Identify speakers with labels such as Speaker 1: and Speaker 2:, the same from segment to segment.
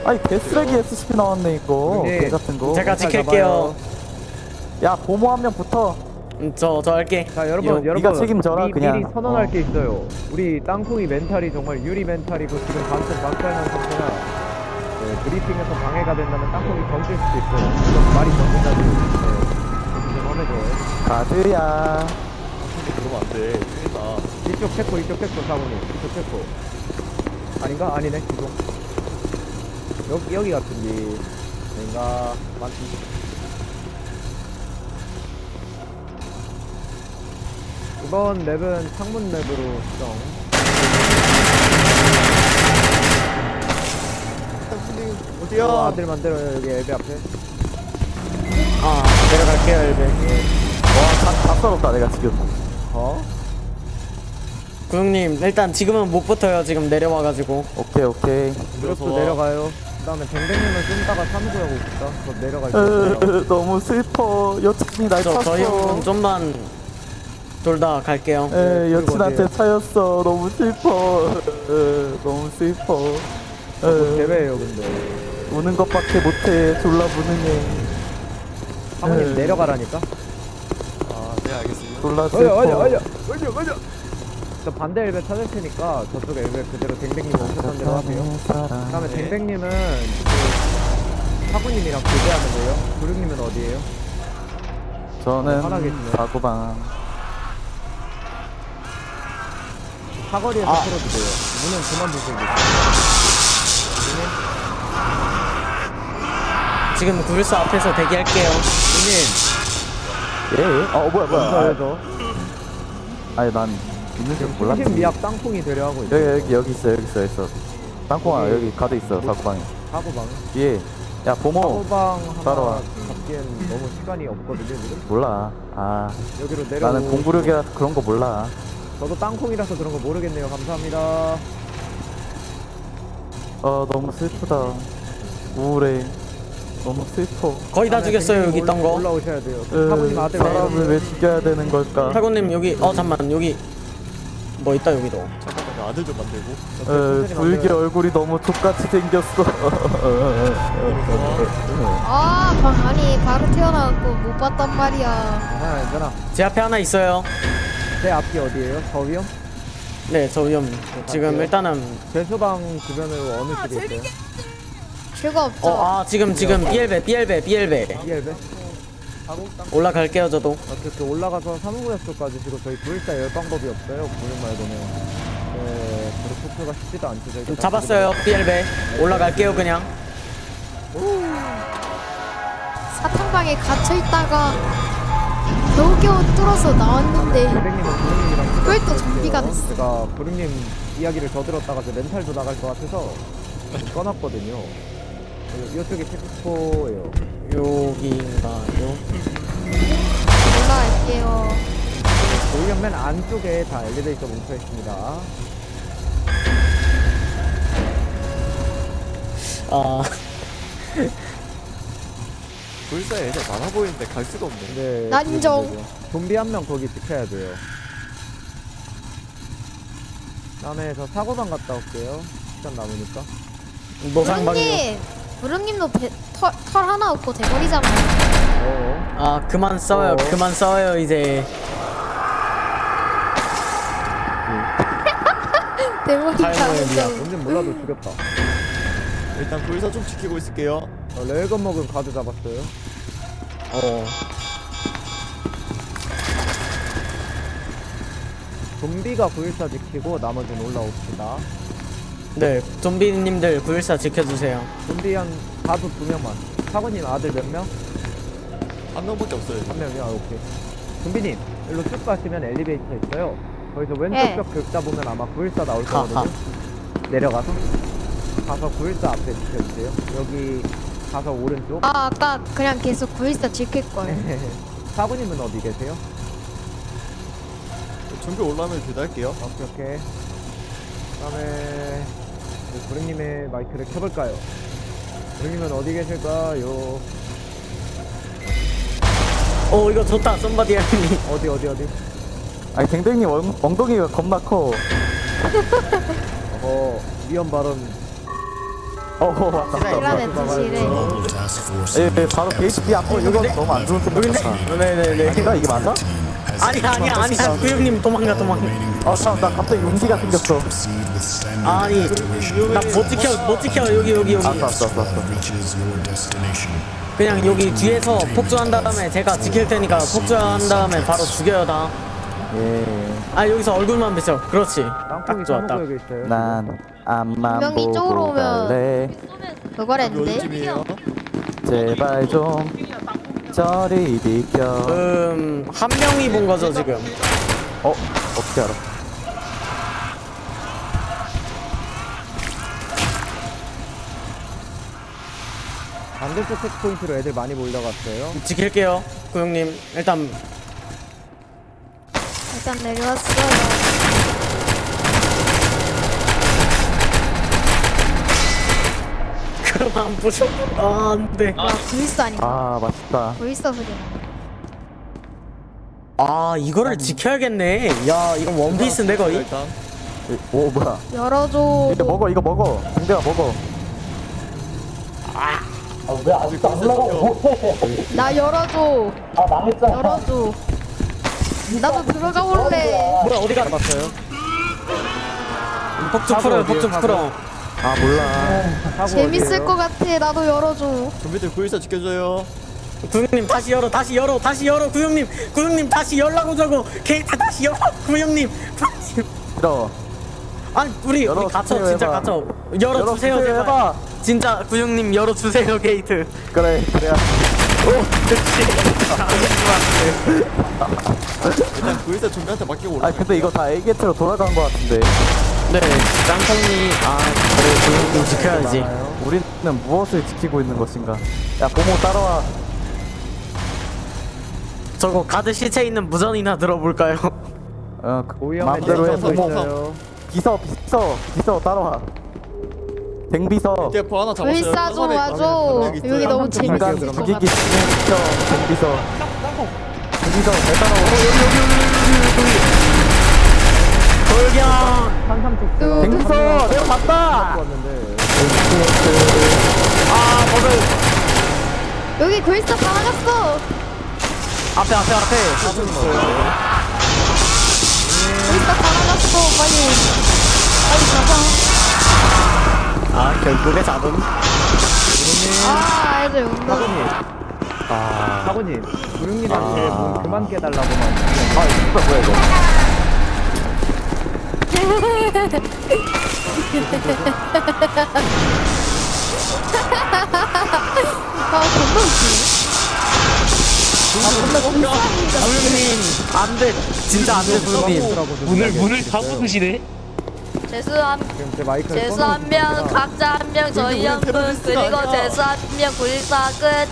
Speaker 1: 아니 개쓰레기 SCP 나왔네 이거.
Speaker 2: 형님,
Speaker 1: 개 같은 거.
Speaker 3: 제가 지킬게요.
Speaker 1: 야 보모 한 명 붙어.
Speaker 3: 저 할게.
Speaker 2: 자 여러분
Speaker 1: 네가 책임져라, 그냥.
Speaker 2: 미리 선언할 게 있어요. 우리 땅콩이 멘탈이 정말 유리 멘탈이고 지금 방금 박살난 상태라 브리핑에서 방해가 된다면 땅콩이 던질 수도 있어요. 이건 말이 던진다고 좀 험해져요.
Speaker 1: 가드야.
Speaker 4: 그러면 안돼 큰일나.
Speaker 2: 이쪽 체코 사모님 이쪽 체코 아닌가? 아니네 죄송. 여기 같은데 뭔가 맞지? 이번 맵은 창문 맵으로 수정.
Speaker 4: 형님
Speaker 2: 어,
Speaker 4: 어디야?
Speaker 2: 아들 만들어요 여기 앱 앞에.
Speaker 3: 아 내려갈게요 엘베.
Speaker 1: 와다 썰었다 내가 지금.
Speaker 2: 어?
Speaker 3: 구형님 일단 지금은 못 붙어요. 지금 내려와가지고.
Speaker 1: 오케이.
Speaker 2: 그것도 내려가요. 그 다음에 댕댕님은 좀 이따가 사무소하고 있다. 저 내려갈게요.
Speaker 1: 너무 슬퍼. 여친이 날 찼어.
Speaker 3: 저희 형은 좀만 돌다 갈게요.
Speaker 1: 여친한테 차였어. 너무 슬퍼. 너무 슬퍼.
Speaker 2: 대회예요 근데.
Speaker 1: 우는 것밖에 못해. 졸라 무능해.
Speaker 2: 사모님 내려가라니까.
Speaker 4: 아네 알겠습니다.
Speaker 1: 졸라 슬퍼.
Speaker 2: 얼려. 저 반대 엘베 찾을 테니까 저쪽 엘베 그대로 댕댕님 오셨던 대로 하세요. 그 다음에 댕댕님은 그 사부님이랑 교대하면 돼요. 구룡님은 어디에요?
Speaker 1: 저는
Speaker 2: 편하겠네요.
Speaker 1: 사고방.
Speaker 2: 사거리에서 풀어주세요. 문은 그만 두세요.
Speaker 3: 지금 구일사 앞에서 대기할게요.
Speaker 2: 누님
Speaker 1: 예? 뭐야.
Speaker 2: 먼저
Speaker 1: 아니 난 있는 줄 몰랐지.
Speaker 2: 중심 미약 땅콩이 되려 하고 있어요.
Speaker 1: 여기 있어. 땅콩아 여기 가드 있어. 사고방에.
Speaker 2: 사고방.
Speaker 1: 뒤에. 야 보모.
Speaker 2: 사고방 하나
Speaker 1: 따라와.
Speaker 2: 잡기엔 너무 시간이 없거든요 지금.
Speaker 1: 몰라.
Speaker 2: 여기로 내려.
Speaker 1: 나는 공부력이라 그런 거 몰라.
Speaker 2: 저도 땅콩이라서 그런 거 모르겠네요. 감사합니다.
Speaker 1: 너무 슬프다. 우울해. 너무 슬퍼.
Speaker 3: 거의 다 죽였어요 여기 있던 거.
Speaker 2: 올라오셔야 돼요. 사부님 아들
Speaker 1: 사람을 왜 죽여야 되는 걸까?
Speaker 3: 타고님 여기 잠만 여기 뭐 있다 여기도.
Speaker 4: 잠깐만요. 아들 좀 만들고.
Speaker 1: 불기 얼굴이 너무 족같이 생겼어.
Speaker 5: 아니 바로 태어나갖고 못 봤단 말이야.
Speaker 2: 괜찮아.
Speaker 3: 제 앞에 하나 있어요.
Speaker 2: 제 앞이 어디에요? 저위요?
Speaker 3: 네 저 위험. 지금 일단은
Speaker 2: 제수방 주변으로 어느 쪽에 있어요?
Speaker 5: 죄가 없죠.
Speaker 3: 지금 B엘베
Speaker 2: ELB?
Speaker 3: 올라갈게요 저도.
Speaker 2: 이렇게 올라가서 사무구역 쪽까지 지고 저희 구일사 열 방법이 없어요. 구일 말고는. 네, 그리고 토크가 쉽지도 않죠. 저희가
Speaker 3: 잡았어요 B엘베. 올라갈게요 그냥.
Speaker 5: 사탕방에 갇혀있다가 겨우겨우 뚫어서 나왔는데
Speaker 2: 구룡님은 구룡님이랑
Speaker 5: 그걸 또 좀비가 됐어.
Speaker 2: 제가 구룡님 이야기를 더 들었다가 제 멘탈도 나갈 것 같아서 꺼놨거든요. 이쪽이 체크포예요.
Speaker 3: 여기인가요?
Speaker 5: 올라갈게요.
Speaker 2: 보이면 맨 안쪽에 다 엘리베이터 뭉쳐 있습니다.
Speaker 4: 불사에 애들 많아 보이는데 갈 수가 없네.
Speaker 2: 네.
Speaker 5: 난정.
Speaker 2: 그러면 되죠. 좀비 한 명 거기 지켜야 돼요. 다음에 저 사고방 갔다 올게요. 시간 남으니까.
Speaker 3: 노상방이요.
Speaker 5: 부릉님도 털 하나 없고 대머리잖아요.
Speaker 3: 그만 싸워요. 그만 싸워요 이제.
Speaker 5: 대머리가
Speaker 3: 탈모의 미학.
Speaker 2: 뭔지 몰라도 죽였다.
Speaker 4: 일단 불사 좀 지키고 있을게요.
Speaker 2: 레일건 먹은 가드 잡았어요. 좀비가 914 지키고 나머지는 올라옵시다.
Speaker 3: 네 좀비님들 914 지켜주세요.
Speaker 2: 좀비 한 가드 2명만. 사고님 아들 몇 명?
Speaker 4: 한 명밖에 없어요.
Speaker 2: 한 명이요? 오케이. 좀비님 일로 쭉 가시면 엘리베이터 있어요. 거기서 왼쪽
Speaker 5: 네.
Speaker 2: 벽 긁다 보면 아마 914 나올 거거든요. 내려가서 가서 914 앞에 지켜주세요. 여기 가서 오른쪽.
Speaker 5: 아까 그냥 계속 914 지킬걸.
Speaker 2: 사부님은 어디 계세요?
Speaker 4: 준비 올라오면 대답할게요.
Speaker 2: 오케이. 그다음에 구름님의 마이크를 켜볼까요? 구름님은 어디 계실까요?
Speaker 3: 이거 좋다. 썸바디 헬미.
Speaker 2: 어디?
Speaker 1: 아니 댕댕님 엉덩이가 겁나 커.
Speaker 2: 위험 발언.
Speaker 1: 왔다.
Speaker 5: 이란의 드시래.
Speaker 1: 예, 바로 게이트 B 앞으로 이거 너무 안 좋은 소리 같다.
Speaker 3: 네네네.
Speaker 1: 아닌가 이게 맞아?
Speaker 3: 아니야 구형님 도망가.
Speaker 1: 나 갑자기 용기가 생겼어.
Speaker 3: 아니 나 못 지켜 여기
Speaker 1: 왔어.
Speaker 3: 그냥 여기 뒤에서 폭주한 다음에 제가 지킬 테니까 폭주한 다음에 바로 죽여요 다.
Speaker 1: 예.
Speaker 3: 아 여기서 얼굴만 비춰. 그렇지.
Speaker 2: 땅콩이
Speaker 3: 딱 좋아 딱.
Speaker 2: 사먹고 여기 있어요.
Speaker 1: 난 앞만
Speaker 5: 분명히 이쪽으로
Speaker 1: 보고
Speaker 5: 오면-
Speaker 1: 갈래.
Speaker 5: 그걸
Speaker 4: 여기
Speaker 5: 했는데.
Speaker 4: 어디쯤이에요?
Speaker 1: 제발 좀 저리 비켜.
Speaker 3: 한 명이 본 거죠 지금.
Speaker 1: 어떻게 알아?
Speaker 2: 반대쪽 체크포인트로 애들 많이 몰려갔어요.
Speaker 3: 지킬게요 구형님. 일단
Speaker 5: 내려왔어요.
Speaker 3: 그럼 안 부셔. 아 안돼.
Speaker 5: 와 구이스 아닌가?
Speaker 1: 아 맛있다.
Speaker 5: 구이스 소리.
Speaker 3: 아 이거를 지켜야겠네. 야 이건 원피스인데 거의.
Speaker 4: 일단
Speaker 1: 오 뭐야?
Speaker 5: 열어줘.
Speaker 1: 이거 먹어. 공대가 먹어.
Speaker 5: 나 열어줘. 열어줘. 나도 들어가 볼래.
Speaker 3: 뭐야 어디가?
Speaker 2: 잡았어요.
Speaker 3: 폭주 풀어.
Speaker 1: 아 몰라.
Speaker 2: 사고
Speaker 5: 재밌을
Speaker 2: 어디예요?
Speaker 5: 것 같아. 나도 열어줘.
Speaker 4: 좀비들 구일사 지켜줘요.
Speaker 3: 구형님 다시 열어 구형님 다시 열라고 저거 게이트 다시 열어 구형님.
Speaker 1: 싫어.
Speaker 3: 아니 우리 갇혀
Speaker 1: 열어주세요,
Speaker 3: 진짜
Speaker 1: 해봐.
Speaker 3: 갇혀. 열어주세요
Speaker 1: 열어주세요,
Speaker 3: 제발.
Speaker 1: 해봐.
Speaker 3: 진짜 구형님 열어주세요 게이트.
Speaker 1: 그래야.
Speaker 4: 일단 구일사 좀비한테 맡기고 올라.
Speaker 1: 아 근데 이거 다 A게트로 돌아간 거 같은데.
Speaker 3: 네 짱통님 그래 구형님 지켜야지.
Speaker 1: 우리는 무엇을 지키고 있는 것인가? 야 고모 따라와.
Speaker 3: 저거 가드 시체 있는 무전이나 들어볼까요?
Speaker 2: 오위험에
Speaker 1: 마음대로 해.
Speaker 2: 대해서
Speaker 1: 고모.
Speaker 2: 있어요.
Speaker 1: 비서 따라와. 댕비서.
Speaker 4: 대포 하나 잡았어요.
Speaker 5: 불사 좀 와줘. 여기 너무 재밌을
Speaker 1: 인간
Speaker 5: 것
Speaker 1: 죽이기
Speaker 5: 같아.
Speaker 1: 시켜. 댕비서 잘 따라와.
Speaker 3: 돌격.
Speaker 2: 산삼 쪽
Speaker 1: 댕비서 내가 봤다.
Speaker 2: 왔는데
Speaker 3: 아 버블.
Speaker 5: 여기 구이스 다 나갔어.
Speaker 3: 앞에
Speaker 5: 구이스 다 나갔어. 빨리 가자.
Speaker 3: 아 결국에 잡음.
Speaker 5: 아 애들 온다.
Speaker 2: 사고님 구룡님한테 문 그만 깨달라고만.
Speaker 1: 아 이거 뭐야 이거?
Speaker 5: 아 존나 웃기네.
Speaker 3: 구형님 안돼 진짜 안돼 구형님.
Speaker 6: 문을 다 부수시네.
Speaker 7: 재수 한
Speaker 2: 지금 제 마이크를
Speaker 7: 재수
Speaker 2: 꺼놓고
Speaker 7: 한 명,
Speaker 2: 있으니까
Speaker 7: 각자 한 명, 저희
Speaker 4: 우리
Speaker 7: 한 분,
Speaker 4: 테러리스트가
Speaker 7: 그리고
Speaker 4: 아니야.
Speaker 7: 재수 한 명, 914 끝.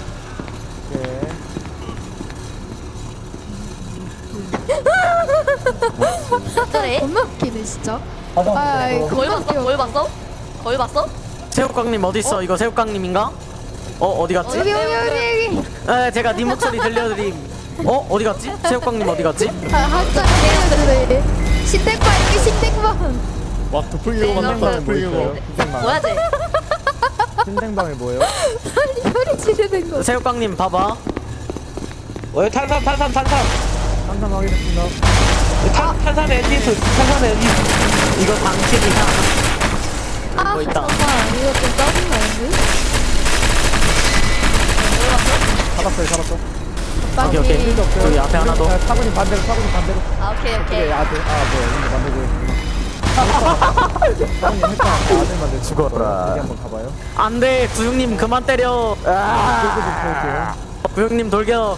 Speaker 5: 네. 존나 웃기네 진짜. 아
Speaker 7: 거울 봤어? 거울 봤어?
Speaker 3: 새우깡님 어디 있어? 이거 새우깡님인가? 어디 갔지?
Speaker 5: 여기.
Speaker 3: 에 제가 네 목소리 들려드림. 어디 갔지? 새우깡님 어디 갔지?
Speaker 5: 아 한참 해야지. 신택방 여기 신택방.
Speaker 4: 와 도플갱어 만났다.
Speaker 2: 뭐 있어요?
Speaker 4: 도플갱어.
Speaker 2: 신생방.
Speaker 7: 뭐야 쟤?
Speaker 2: 신생방에 뭐예요?
Speaker 5: 소리 지르는 거.
Speaker 3: 새우깡님 봐봐.
Speaker 6: 탄산.
Speaker 2: 산삼 확인했습니다.
Speaker 6: 탄산 엔진스.
Speaker 3: 이거 방식이야.
Speaker 5: 아
Speaker 3: 있다.
Speaker 5: 잠깐 이거 좀 짜증나는데?
Speaker 2: 잡았어.
Speaker 3: 오케이. 저기 앞에 하나 더.
Speaker 2: 사고님 반대로.
Speaker 7: 아 오케이 오케이.
Speaker 2: 뭐야 이거 만들고 있구나. 사고님 했다. 아들 만들
Speaker 1: 죽어라.
Speaker 2: 여기 한번 가봐요.
Speaker 3: 안돼 구형님 그만 때려.
Speaker 2: 끌고 좀 펴올게요.
Speaker 3: 구형님 돌격.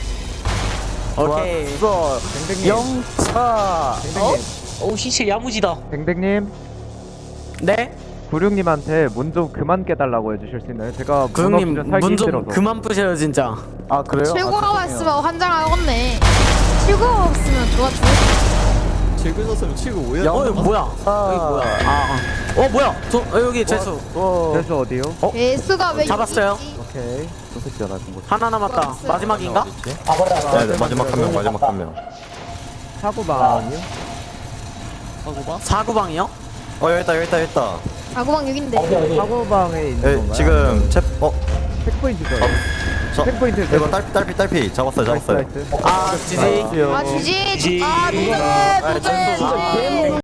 Speaker 3: 오케이.
Speaker 1: 좋았어.
Speaker 2: 댕댕님.
Speaker 1: 영차.
Speaker 2: 댕댕님.
Speaker 6: 오 시체 야무지다.
Speaker 2: 댕댕님.
Speaker 3: 네?
Speaker 2: 구룡님한테 문 좀 그만 깨달라고 해주실 수 있나요? 제가
Speaker 3: 구형님
Speaker 2: 문 없으면 살기
Speaker 3: 문 좀
Speaker 2: 힘들어서.
Speaker 3: 그만 부셔요 진짜.
Speaker 1: 아 그래요?
Speaker 5: 출구가
Speaker 1: 아,
Speaker 5: 왔으면 환장하겠네. 출구가 없으면 좋아.
Speaker 4: 질고 있었으면 치고 오해.
Speaker 3: 뭐야? 여기 뭐야? 뭐야? 여기 재수.
Speaker 2: 재수 어디요?
Speaker 5: 예수가 왜
Speaker 3: 잡았어요?
Speaker 5: 여기 있지?
Speaker 2: 오케이.
Speaker 1: 저 새끼가 나준 거.
Speaker 3: 하나 남았다. 마지막인가?
Speaker 1: 네, 마지막 한 명.
Speaker 2: 사고방이요?
Speaker 4: 하고 봐.
Speaker 3: 사구방이요?
Speaker 1: 여기 있다.
Speaker 5: 사고방 여긴데.
Speaker 2: 사고방에 있는
Speaker 8: 예,
Speaker 2: 건가요?
Speaker 8: 지금
Speaker 2: 체크포인트죠.
Speaker 8: 저
Speaker 2: 체크포인트
Speaker 8: 이거 딸피 잡았어요.
Speaker 2: 나이스.
Speaker 3: 아 지지
Speaker 5: 아, 주지.
Speaker 6: 지.
Speaker 5: 아,
Speaker 8: 아,